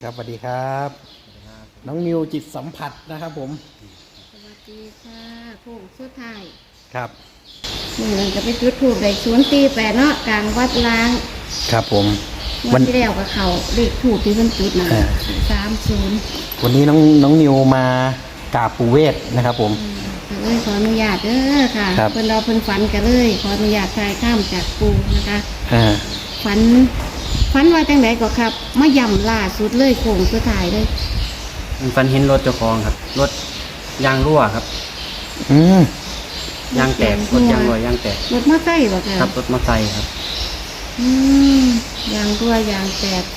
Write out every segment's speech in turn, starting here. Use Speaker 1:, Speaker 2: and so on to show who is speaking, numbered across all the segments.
Speaker 1: ครับสวัสดีครับน้องนิวจิตสัมผัสนะครับผม
Speaker 2: สวัสดีค่ะผู้สุดท้าย
Speaker 1: ครับ
Speaker 2: มือหนึ่งจะไปจุดถูกได้048เนาะกลางวัดล้าง
Speaker 1: ครับผม
Speaker 2: วันที่แล้วกับเขาเลขถูกที่เพิ่นจุดนะ30
Speaker 1: วันนี้น้องนิวมากราบปู่เวทนะครับผม
Speaker 2: ก็เลยขออนุญาตเด้อค่ะเพิ่นเราเพิ่นฝันกันเลยขออนุญาตทายข้ามจากปู่นะคะฝันว่าจังไดก็ครับมาย่ำล่าสุดเลยโค้งสุดท้ายเลย
Speaker 3: ฝันเห็นรถเจ้าของครับรถยางรั่วครับยางแตกรถยางรั่วยางแตก
Speaker 2: รถมอไซค์บ่ค่ะ
Speaker 3: ครับรถมอไซค์ครับ
Speaker 2: ยางรั่วยางแตก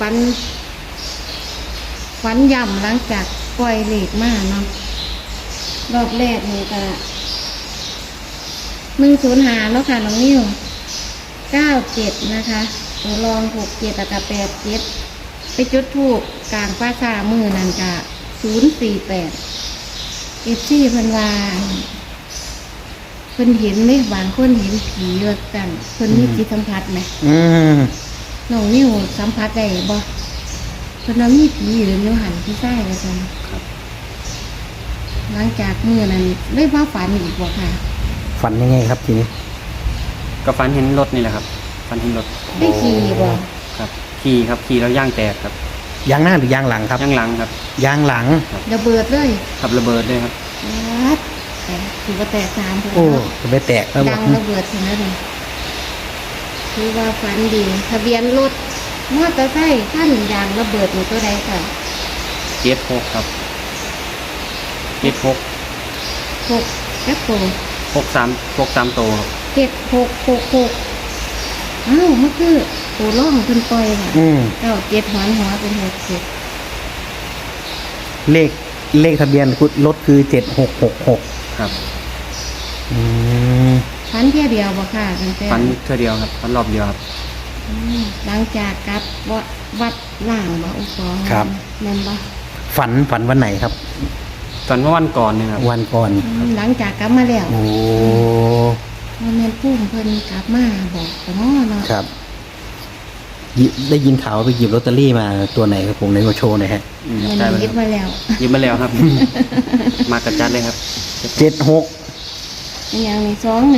Speaker 2: ฝันย่ำหลังจากปล่อยเหล็กมาเนาะรอบแรกนี่ก็105แล้วค่ะน้องนิ้ว97นะคะตัวรอง67แล้วก็87ไปจุดธูปกลางป่าช้ามือนั่นก็048FCเพิ่นว่าเพิ่นเห็นไหมบางคนเห็นผีว่ากันเพิ่นมีจิตสัมผัสไหมน้องนิ้วสัมผัสได้บ่เพิ่นว่ามีผีหรือนิ้วหันที่ใต้ว่าซั่นหลังจากมื้อนั้นได้ว่าฝันอีกบ่ค่ะ
Speaker 1: ฝันยังไงครับทีนี้
Speaker 3: ก็ฝันเห็นรถนี่แหละครับฝันเห็นรถ
Speaker 2: ได้ขี่บ่
Speaker 3: ครับขี่แล้วยางแตกครับ
Speaker 1: ยางหน้าหรือยางหลังครับ
Speaker 3: ยางหลังครับ
Speaker 1: ยางหลัง
Speaker 2: ระเบิดเลย
Speaker 3: ครับระเบิดเลยครับ
Speaker 2: แต่ถือว่าแตก3พุ่น
Speaker 1: โอ้จะไปแตกแล้ว
Speaker 2: ดังระเบิดถึงนั้นเลยคือว่าฝันดีทะเบียนรถมอเตอร์ไซค์ขั้นยางระเบิดอยู่ตัวใดค่ะ
Speaker 3: 76ครับ76
Speaker 2: 6แป๊บโต
Speaker 3: 63โตครับ
Speaker 2: 7666อ้าวมันคือตัวร่องเพิ่นปล่อยค่ะ97หัวเป็น67
Speaker 1: เลขทะเบียนรถคือ7666
Speaker 3: ครับ
Speaker 2: ฝันเที่ยวเดียวบ่ค่ะตั้งแต่
Speaker 3: ฝันเท่าเดียวครับฝันรอบเดียวครับ
Speaker 2: หลังจากกลับวัดล่างบ่อุปอง
Speaker 1: ครับ
Speaker 2: แม่นบ่
Speaker 1: ฝันวันไหนครับ
Speaker 3: ฝันเมื่อวันก่อนนี่ครับ
Speaker 1: วันก่อน
Speaker 2: หลังจากกลับมาแล้ว
Speaker 1: โอ้
Speaker 2: แม่นพุ่มเพิ่นกลับมาบอกแต่เนาะ
Speaker 1: ครับได้ยินข่าวไปหยิบลอตเตอรี่มาตัวไหนครับผมในโชว์หน่อยฮะ
Speaker 2: หยิบมาแล้ว
Speaker 3: มากระจัดเลยครับ
Speaker 1: 76
Speaker 2: อย่างนี้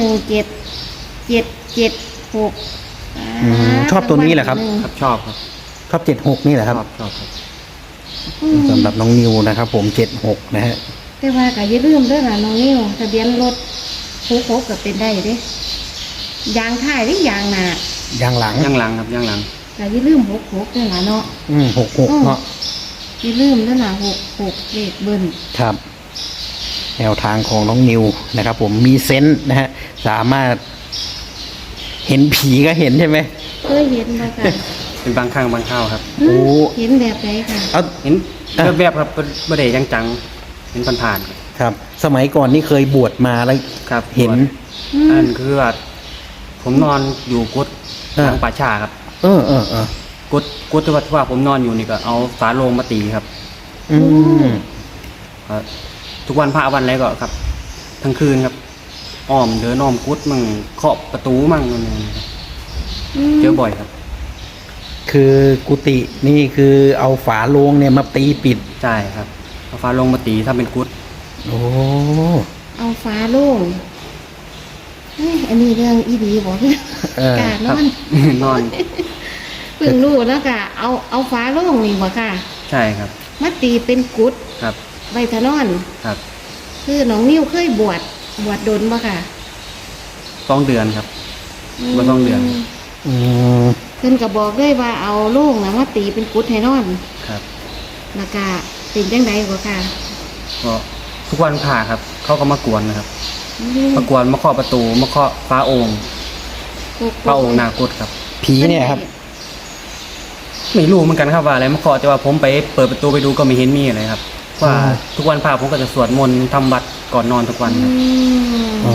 Speaker 2: 21776
Speaker 1: ชอบตัวนี้แหละครับ
Speaker 3: ชอบ
Speaker 1: 76นี่แหละครับ
Speaker 3: ชอบครับ
Speaker 1: สำหรับน้องนิวนะครับผม76นะฮะ
Speaker 2: แต่ว่าก็อย่าลืมด้วยนะน้องนิวทะเบียนรถ66ก็เป็นได้เด้ยางท้ายหรือยางหน้
Speaker 1: ายางหลัง
Speaker 3: ครับยางหลัง
Speaker 2: ก็อย่าลืม66ด้วยนะเนาะ
Speaker 1: 66เนาะ
Speaker 2: อย่าลืมด้วยนะ66เลขเบิ้ล
Speaker 1: ครับแนวทางของน้องนิวนะครับผมมีเซนส์นะฮะสามารถเห็นผีก็เห็นใช่ไหม
Speaker 2: เคยเห็นมาค่ะ
Speaker 3: เป็นบางครั้งบางคราวครับ
Speaker 2: โอ้เห็นแบบไหนค่ะ
Speaker 3: เห็นแบบครับไม่ได้จังเห็นผ่าน
Speaker 1: ๆครับสมัยก่อนนี่เคยบวชมาแล้ว
Speaker 3: ครับ
Speaker 1: เห็น
Speaker 3: อันคือว่าผมนอนอยู่กุฏทางป่าช้าครับกุฏที่ว่าผมนอนอยู่นี่ก็เอาฝาโลงมาตีครับทุกวันพระวันอะไรก็ครับทั้งคืนครับอ้อมเดินอ้อมกุฏมั่งเคาะประตูมั่งนั่นเองเจอบ่อยครับ
Speaker 1: คือกุฏินี่คือเอาฝาโลงเนี่ยมาตีปิด
Speaker 3: ใช่ครับเอาฝาโลงมาตีถ้าเป็นกุฏ
Speaker 1: โอ้
Speaker 2: เอาฝาโลงอันนี้เรื่องอีดีบอกกาด
Speaker 3: นอน
Speaker 2: เพิ่งรู้แล้วก็เอาฝาโลงนี่บ่ค่ะ
Speaker 3: ใช่ครับ
Speaker 2: มาตีเป็นกุฏ
Speaker 3: ครับ
Speaker 2: ใบทะนอน
Speaker 3: ครับ
Speaker 2: คือน้องนิ้วเคยบวชดนบ่ค่ะ
Speaker 3: 2 เดือนครับบวช2 เดือน
Speaker 2: เพิ่นก็บอกด้วยว่าเอาโลงนะมาตีเป็นกุฏให้นอน
Speaker 3: ครับ
Speaker 2: แล้วก็เป็นจังไดบ่ค่ะ
Speaker 3: ก็ทุกวันผ่าครับเขาก็มากวนนะครับมากวนมาเคาะประตูมาเคาะฟ้าโอ่งนากุฏครับ
Speaker 1: ผีเนี่ยครับ
Speaker 3: ไม่รู้เหมือนกันครับว่าอะไรมาเคาะแต่ว่าผมไปเปิดประตูไปดูก็ไม่เห็นมีอะไรครับว่าทุกวันพระผมก็จะสวดมนต์ทำวัดก่อนนอนทุกวันครับ
Speaker 1: อ๋อ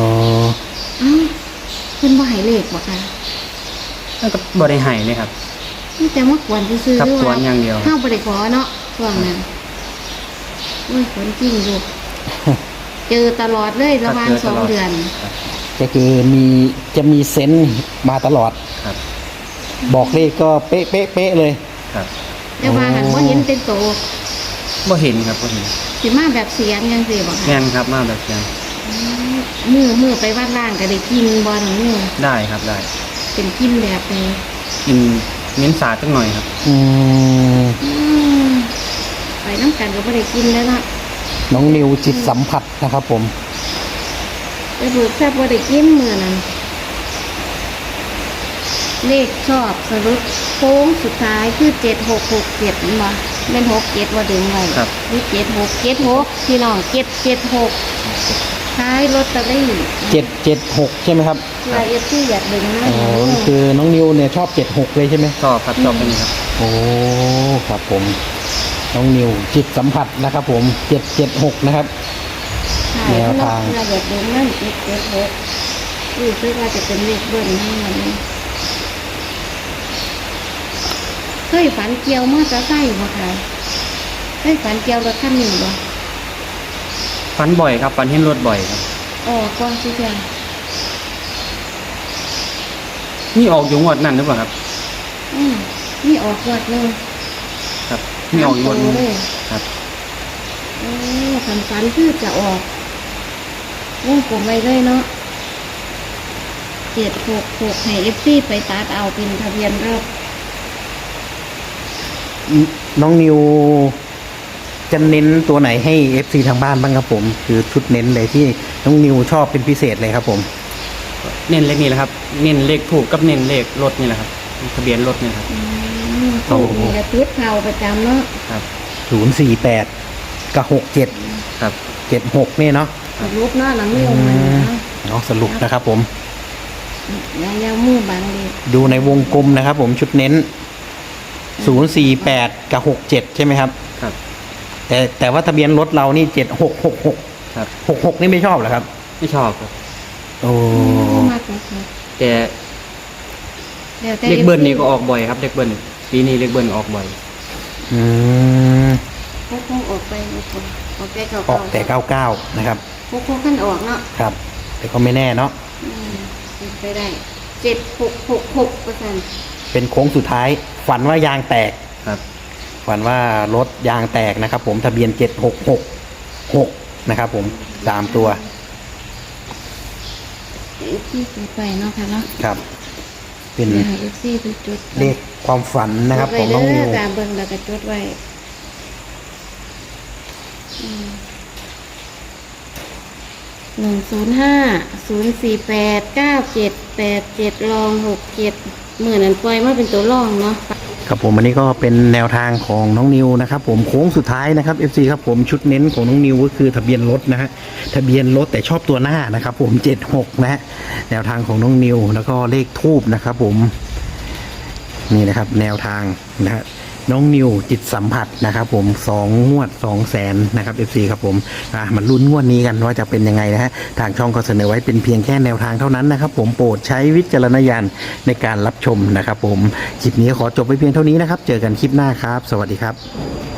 Speaker 2: เพิ่นบ่ให้เลขบ่ค่ะ
Speaker 3: นั่นก็บ่ได้ให้เลยครับ
Speaker 2: นี่แต่มากวนซื่อๆ
Speaker 3: ด้วยว่าอย่างเดียว
Speaker 2: เฮาบ่ได้ขอเนาะช่วงนั้นโอ้ยคนจริงอยู่เจอตลอดเลยระหว่าง2 เดือน
Speaker 1: ก็คือจะมีเซนส์มาตลอด
Speaker 3: ครับ
Speaker 1: บอกเลขก็เป๊ะเลย
Speaker 3: ครับ
Speaker 2: แต่ว่าหันบ่เห็นเป็นโต
Speaker 3: บ่เห็นครับบ่เห็น
Speaker 2: สิมาแบบเสียงจังซี่บ่
Speaker 3: แม่
Speaker 2: ค่ะ
Speaker 3: นครับมาแบบเสียง
Speaker 2: มือไปวัดล่างก็ได้กินบ่น้องนิว
Speaker 3: ได้ครับได้
Speaker 2: เป็นกินแบบนี้
Speaker 3: กินเม้นสาดจังหน่อยครับ
Speaker 1: อืม
Speaker 2: อืมไปน้ำกันก็บ่ได้กินแล้วเนาะ
Speaker 1: น้องนิวจิตสัมผัสนะครับผม
Speaker 2: ไปเบิกแซ่บบ่ได้กินมื้อนั้นเลขชอบสรุปโค้งสุดท้ายคือ7667นี่บ่แม่น67บ่ดึงไว้
Speaker 3: ครับ
Speaker 2: หรือ76พี่น้อง776ท้ายลอตเตอรี่
Speaker 1: 776ใช่ไหมครับ
Speaker 2: รายละเอียดอยากดึงนะ
Speaker 1: อ๋อคือน้องนิวเนี่ยชอบ76เลยใช่ไหม
Speaker 3: ชอบครับชอบเป็นครับ
Speaker 1: โอ้ครับผมน้องนิวจิตสัมผัสนะครับผม776นะครับ แนวทาง
Speaker 2: รายละเอียดดึงนั่น776รู้สึกว่าจะเป็นเลขเบิ้ลให้มันนี่เคยฝันเกี่ยวมอเตอร์ไซค์บ่คะเคยฝันเกี่ยวรถคันนี้บ่
Speaker 3: ฟันบ่อยครับฟันเห็นรถบ่อยครับ
Speaker 2: อ๋อก่อนสิเจ้า
Speaker 3: นี่ออกอยู่งวดนั่นหรือเปล่าครับ
Speaker 2: นี่ออกวัดเลย
Speaker 3: ครับนี่ออกอยู่งวด
Speaker 2: ตามตัว
Speaker 3: นี้
Speaker 2: เลย
Speaker 3: ครับ
Speaker 2: โอ้ฝันคือจะออกวงกลมไว้เลยเนาะ766ให้ FC ไปตัดเอาเป็นทะเบียนรถ
Speaker 1: น้องนิวจะเน้นตัวไหนให้ FC ทางบ้านบ้างครับผม คือชุดเน้นเลยที่น้องนิวชอบเป็นพิเศษเลยครับผม
Speaker 3: เน้นเลขนี่แหละครับ เน้นเลขถูกกับเน้นเลขรถนี่แหละครับทะเบียนรถนี่ครับ
Speaker 2: ถูกนี่กระตุ้ดเข่าประจำเนาะ
Speaker 3: ครับ
Speaker 1: 048กับ67
Speaker 3: ครับ
Speaker 1: 76นี่เนาะ
Speaker 2: รูปเนาะหลังไม่ลงมาเนาะ
Speaker 1: เนาะสรุปนะครับผม
Speaker 2: ยาวมือบางดี
Speaker 1: ดูในวงกลมนะครับผมชุดเน้น 048กับ67ใช่ไหมครับ
Speaker 3: ครับ
Speaker 1: แต่ว่าทะเบียนรถเรานี่7666
Speaker 3: ครับ
Speaker 1: 66นี่ไม่ชอบเหรอครับ
Speaker 3: ไม่ชอบครับ
Speaker 1: โอ้
Speaker 2: มากเลย
Speaker 3: แต่
Speaker 2: แล้วแต่
Speaker 3: เลขเบิ้ลนี่ก็ออกบ่อยครับเลขเบิ้ลปีนี้เลขเบิ้ลออกบ่อย
Speaker 1: อืม
Speaker 2: พวกออกไปออกไปเก่า
Speaker 1: ออกแต่99นะครับ
Speaker 2: พวกขั้นออกเนาะ
Speaker 1: ครับ แต่ก็ไม่แน่เนาะ
Speaker 2: เป็นไปได้7666%
Speaker 1: เป็นโค้งสุดท้าย ฝันว่ายางแตก
Speaker 3: ครับ
Speaker 1: ฝันว่ารถยางแตกนะครับผมทะเบียน7666นะครับผม3ตัว
Speaker 2: ที่ซื้อไปเนาะค่ะเนาะ
Speaker 1: ครับ เป็น
Speaker 2: ให้ FC เป็นจุด
Speaker 1: เลขความฝันนะครับของน้องนิว
Speaker 2: ตามเบิ่งแล้วก็จดไว้105 048 9787รอง67มื้อนั้นปล่อยมาเป็นตัวรองเนาะ
Speaker 1: ครับผมอันนี้ก็เป็นแนวทางของน้องนิวนะครับผมโค้งสุดท้ายนะครับ FC ครับผมชุดเน้นของน้องนิวก็คือทะเบียนรถนะฮะทะเบียนรถแต่ชอบตัวหน้านะครับผม76นะฮะแนวทางของน้องนิวแล้วก็เลขทูบนะครับผมนี่นะครับแนวทางนะฮะน้องนิวจิตสัมผัสนะครับผม2 งวด 200,000นะครับ FC ครับผมมันลุ้นงวดนี้กันว่าจะเป็นยังไงนะฮะทางช่องก็เสนอไว้เป็นเพียงแค่แนวทางเท่านั้นนะครับผมโปรดใช้วิจารณญาณในการรับชมนะครับผมคลิปนี้ขอจบไปเพียงเท่านี้นะครับเจอกันคลิปหน้าครับสวัสดีครับ